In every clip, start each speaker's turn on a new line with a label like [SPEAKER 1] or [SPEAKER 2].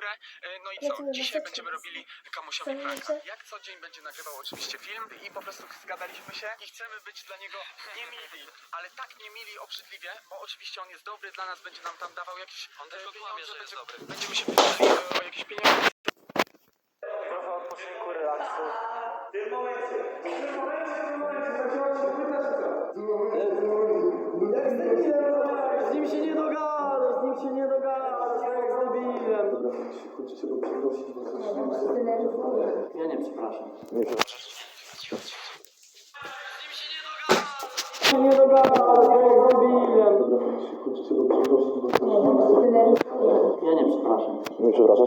[SPEAKER 1] górę. No i co? Dzisiaj będziemy robili Kamusiowi pranka. Jak co dzień będzie nagrywał oczywiście film i po prostu zgadaliśmy się i chcemy być dla niego niemili, ale tak niemili obrzydliwie, bo oczywiście on jest dobry, dla nas będzie nam tam dawał jakieś pieniądze, że jest dobry. Będziemy się pytali o jakieś pieniądze.
[SPEAKER 2] Trochę odpoczynku, relaksu.
[SPEAKER 3] W tym momencie
[SPEAKER 2] Z nim się nie dogadasz, tak jak z debilem.
[SPEAKER 3] Chcecie go przeprosić, bo coś
[SPEAKER 2] Ja nie przepraszam. Nie dogadasz, tak jak z debilem.
[SPEAKER 3] Chcecie go przeprosić, bo coś
[SPEAKER 2] Ja nie przepraszam.
[SPEAKER 3] Nie przepraszasz?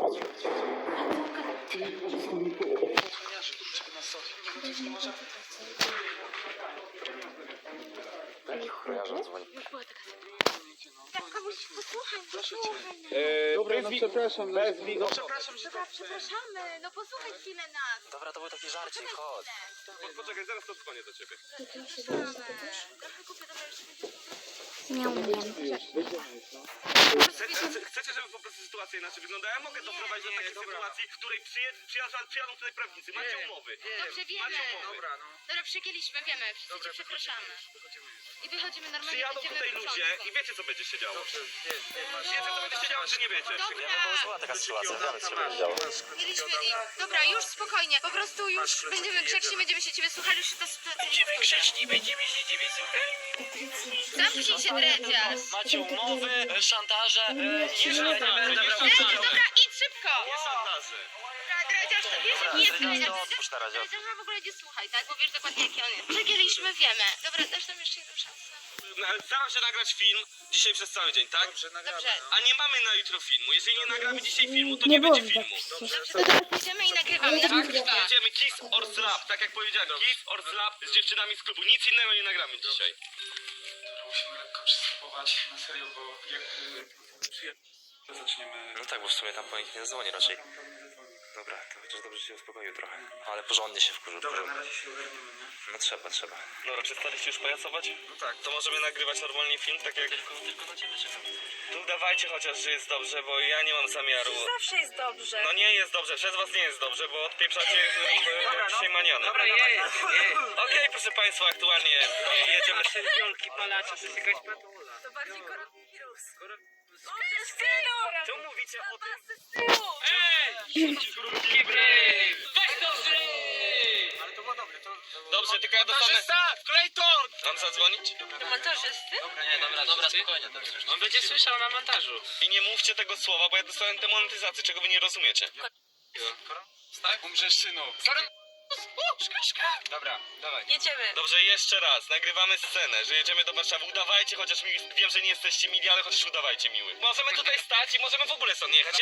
[SPEAKER 4] Kojarzę, dzwoni.
[SPEAKER 5] Tak, komuś posłuchaj.
[SPEAKER 3] Dobra, no przepraszam.
[SPEAKER 5] Przepraszamy, no posłuchaj chwilę nas.
[SPEAKER 4] Dobra, to był taki żarcik, chodź.
[SPEAKER 6] Poczekaj, zaraz to dzwonię do ciebie.
[SPEAKER 5] Przepraszamy. Trochę głupio, dobra, jeszcze będzie.
[SPEAKER 7] Nie umiem.
[SPEAKER 6] Chcecie, żeby po prostu sytuacja inaczej wyglądała? Ja mogę doprowadzić do takiej sytuacji, w której przyjadą tutaj prawnicy. Macie umowy.
[SPEAKER 5] Dobrze, wiemy.
[SPEAKER 6] Macie umowy.
[SPEAKER 5] Dobra, przegięliśmy, wiemy. Wszyscy cię przepraszamy. I wychodzimy normalnie.
[SPEAKER 6] Przyjadą
[SPEAKER 5] będziemy
[SPEAKER 6] tutaj
[SPEAKER 5] w
[SPEAKER 6] ludzie
[SPEAKER 5] porządku.
[SPEAKER 6] i wiecie, co będzie się działo. Wiecie, co będzie się działo, czy nie wiecie?
[SPEAKER 5] Dobra.
[SPEAKER 4] Była taka sytuacja, wiemy, co się będzie działo.
[SPEAKER 5] Mieliśmy i... Dobra, już spokojnie. Po prostu już będziemy grzeczni, będziemy się ciebie słuchali, już ta sytuacja nie powtórzy.
[SPEAKER 6] Grzeczni, będziemy się ciebie słuchać.
[SPEAKER 5] Zamknij się, dredziarz.
[SPEAKER 4] Macie umowy, szantaże,
[SPEAKER 5] Dobra, idź szybko.
[SPEAKER 6] Nie sondaże.
[SPEAKER 5] Dredziarz, to wiesz, jaki jest dredziarz?
[SPEAKER 4] to odpuść na razie.
[SPEAKER 5] Dredziarza w ogóle nie słuchaj, tak? Bo wiesz dokładnie, jaki on jest. Przegięliśmy, wiemy. Dobra, dasz nam jeszcze jedną szansę.
[SPEAKER 6] Staram się nagrać film dzisiaj przez cały dzień, tak?
[SPEAKER 5] Dobrze.
[SPEAKER 6] A nie mamy na jutro filmu. Jeżeli nie nagramy dzisiaj filmu, to nie będzie filmu.
[SPEAKER 5] Dobrze, to teraz idziemy i nagrywamy. Tak?
[SPEAKER 6] Jedziemy Kiss or Slap, tak jak powiedziałem. Kiss or Slap z dziewczynami z klubu. Nic innego nie nagramy dzisiaj.
[SPEAKER 1] Musimy lekko przystępować na serio, bo jak zaczniemy...
[SPEAKER 4] No tak, bo w sumie tam po nich nie dzwoni raczej. Dobra, to chociaż dobrze się uspokoił trochę. Ale porządnie się wkurzył.
[SPEAKER 1] Dobra, na razie się ogarniemy, nie?
[SPEAKER 4] No trzeba.
[SPEAKER 6] Dobra, przestaliście już pajacować? No tak. To możemy nagrywać normalnie film, tak jak...
[SPEAKER 4] Tylko na ciebie czekam.
[SPEAKER 6] To udawajcie chociaż, że jest dobrze, bo ja nie mam zamiaru.
[SPEAKER 5] Zawsze jest dobrze.
[SPEAKER 6] No nie jest dobrze, przez was nie jest dobrze, bo odpieprzacie dzisiaj maniany.
[SPEAKER 5] Dobra,
[SPEAKER 6] Okej, proszę państwa, aktualnie jedziemy... Wielki palacze,
[SPEAKER 5] To bardziej koronawirus.
[SPEAKER 6] Co mówicie o tym?
[SPEAKER 1] Ale to było dobre, to...
[SPEAKER 6] Dobrze, tylko ja dostanę... Clayton! Mam zadzwonić?
[SPEAKER 5] Montażysty?
[SPEAKER 4] Nie, dobra, spokojnie.
[SPEAKER 6] On będzie słyszał na montażu. I nie mówcie tego słowa, bo ja dostałem demonetyzację, czego wy nie rozumiecie.
[SPEAKER 1] Tak? Umrzesz, synu. Dobra, dawaj.
[SPEAKER 5] Jedziemy.
[SPEAKER 6] Dobrze, jeszcze raz. Nagrywamy scenę, że jedziemy do Warszawy. Udawajcie, chociaż wiem, że nie jesteście mili, ale chociaż udawajcie miły. Możemy tutaj stać i możemy w ogóle stąd nie jechać.